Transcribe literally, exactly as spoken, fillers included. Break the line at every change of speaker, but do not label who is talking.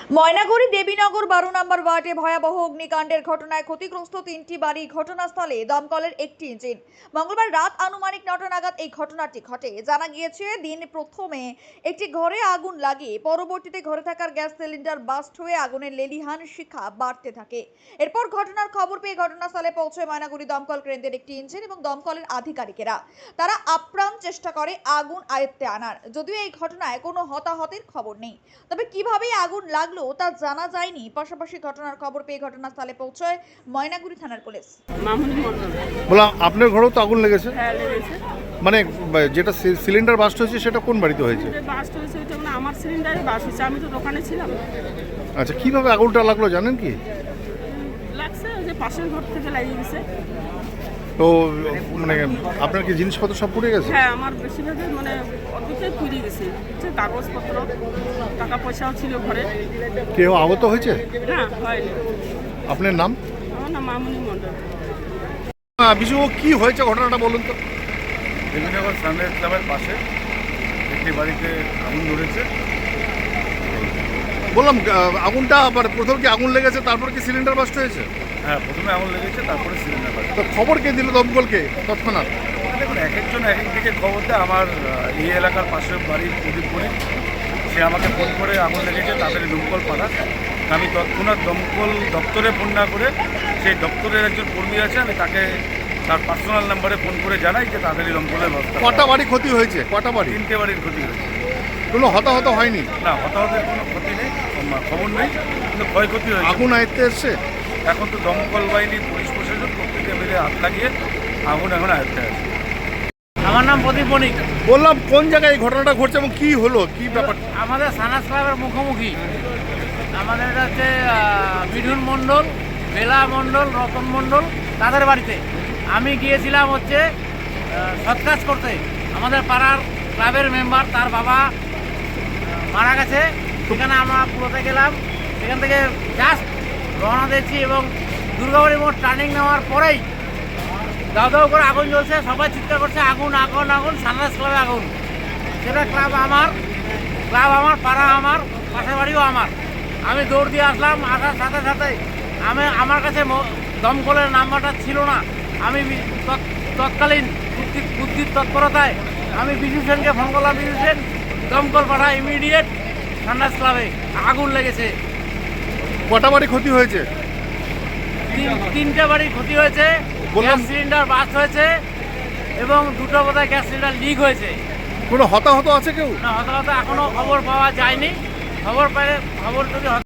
ময়নাগুড়ি দেবীনগর বারো নম্বর ওয়ার্ডে ভয়াবহ অগ্নিকাণ্ডের ঘটনায় ক্ষতিগ্রস্ত তিনটি বাড়ি। ঘটনাস্থলে দমকলের একটি ইঞ্জিন। মঙ্গলবার রাত আনুমানিক নটা নাগাদ এই ঘটনাটি ঘটে। জানা গিয়েছে, দিন প্রথমে একটি ঘরে আগুন লাগে, পরবর্তীতে ঘরে থাকার গ্যাস সিলিন্ডার বাস্ট হয়ে আগুনের লেলিহান শিখা বাড়তে থাকে। এরপর ঘটনার খবর পেয়ে ঘটনাস্থলে পৌঁছয় ময়নাগুড়ি দমকল কেন্দ্রের একটি ইঞ্জিন এবং দমকলের আধিকারিকেরা। তারা আপ্রাণ চেষ্টা করে আগুন আয়ত্তে আনার। যদিও এই ঘটনায় কোনো হতাহতের খবর নেই, তবে কিভাবে আগুন লাগলো তা জানা যায়নি। পাশাপাশি ঘটনার খবর পেয়ে ঘটনাস্থলে পৌঁছয় ময়নাগুড়ি থানার পুলিশ।
মামুনি মন্ডল।
বললাম আপনার ঘরেও তো আগুন লেগেছে?
হ্যাঁ, লেগেছে।
মানে যেটা সিলিন্ডার বাস্ট হয়েছে সেটা কোন বাড়িতে হয়েছে?
বাস্ট হয়েছে ওইটা মানে আমার সিলিন্ডারে বাস্ট হয়েছে, আমি তো দোকানে ছিলাম।
আচ্ছা, কিভাবে আগুনটা লাগলো জানেন কি?
লাগছে ওই যে পাশের ঘর থেকে লাগিয়ে গেছে।
তো মানে আপনার কি জিনিসপত্র সব পুড়ে গেছে?
হ্যাঁ, আমার বেশিরভাগই মানে অর্ধেকটাই পুড়ে গেছে। হচ্ছে কাগজপত্র, টাকা পয়সাও ছিল ঘরে।
কেউ আহত হয়েছে?
না, হয়নি।
আপনার নাম?
আমার নাম মামুনি মন্ডল।
বিশু, কি হয়েছে ঘটনাটা বলুন তো।
দেবীনগর সানরাইজ ক্লাবের পাশে একটি বাড়িতে আগুন ধরেছে।
বললাম আগুনটা আবার প্রথম কি আগুন লেগেছে, তারপর কি সিলিন্ডার বাস্ট হয়েছে?
হ্যাঁ, প্রথমে আগুন লেগেছে, তারপরে সিলিন্ডার বাস্ট।
তো খবর কে দিল দমকলকে তৎক্ষণাৎ?
দেখুন, এক একজন এক এক দিকে খবর দেয়। আমার এই এলাকার পাশের বাড়ির প্রদীপ বণি, সে আমাকে ফোন করে আগুন লেগেছে, তাড়াতাড়ি দমকল পাঠান। আমি তৎক্ষণাৎ দমকল দপ্তরে ফোন না করে সেই দপ্তরের একজন কর্মী আছে, আমি তাকে তার পার্সোনাল নাম্বারে ফোন করে জানাই যে তাড়াতাড়ি দমকলের ব্যবস্থা।
কটা বাড়ি ক্ষতি হয়েছে? কটা বাড়ি?
তিনটে বাড়ির ক্ষতি হয়েছে।
কোনো হতাহত হয়নি?
না, হতাহতের কোনো ক্ষতি নেই, খবর নেই, কিন্তু ক্ষয়ক্ষতি হয়েছে।
আগুন আয়ত্তে এসছে?
এখন তো দমকল বাহিনী, পুলিশ প্রশাসন প্রত্যেকে মিলে হাত লাগিয়ে আগুন এখন আয়ত্তে আছে।
আমার নাম প্রদীপ বণিক।
বললাম কোন জায়গায় এই ঘটনাটা ঘটছে এবং কি হলো, কি ব্যাপার?
আমাদের সানাস ক্লাবের মুখোমুখি আমাদের এটা হচ্ছে মিঠুন মণ্ডল, বেলা মণ্ডল, রতন মণ্ডল, তাদের বাড়িতে আমি গিয়েছিলাম হচ্ছে সৎকাজ করতে। আমাদের পাড়ার ক্লাবের মেম্বার, তার বাবা মারা গেছে, সেখানে আমরা পুরোতে গেলাম। সেখান থেকে জাস্ট রওনা দিয়েছি এবং দুর্গাবাড়ি মোড় টার্নিং নেওয়ার পরেই দাও দাও করে আগুন জ্বলছে। সবাই চিৎকার করছে আগুন আগুন আগুন, সানরাইজ ক্লাবে আগুন। সেটা ক্লাব আমার, ক্লাব আমার, পাড়া আমার, পাশের বাড়িও আমার। আমি দৌড় দিয়ে আসলাম, আসার সাথে সাথে আমি আমার কাছে দমকলের নাম্বারটা ছিল না। আমি তৎকালীন বুদ্ধি বুদ্ধির তৎপরতায় আমি বিজু সেনকে ফোন করলাম। বিজু সেন দমকল পাঠায় ইমিডিয়েট সানরাইজ ক্লাবে। আগুন লেগেছে।
কটা বাড়ি ক্ষতি হয়েছে?
তিন তিনটে বাড়ির ক্ষতি হয়েছে। গ্যাস সিলিন্ডার বাস্ট হয়েছে এবং দুটো বোধহয় গ্যাস সিলিন্ডার লিক হয়েছে।
কোনো হতাহত আছে কেউ?
না, হতাহত এখনো খবর পাওয়া যায়নি। খবর পেলে খবর যদি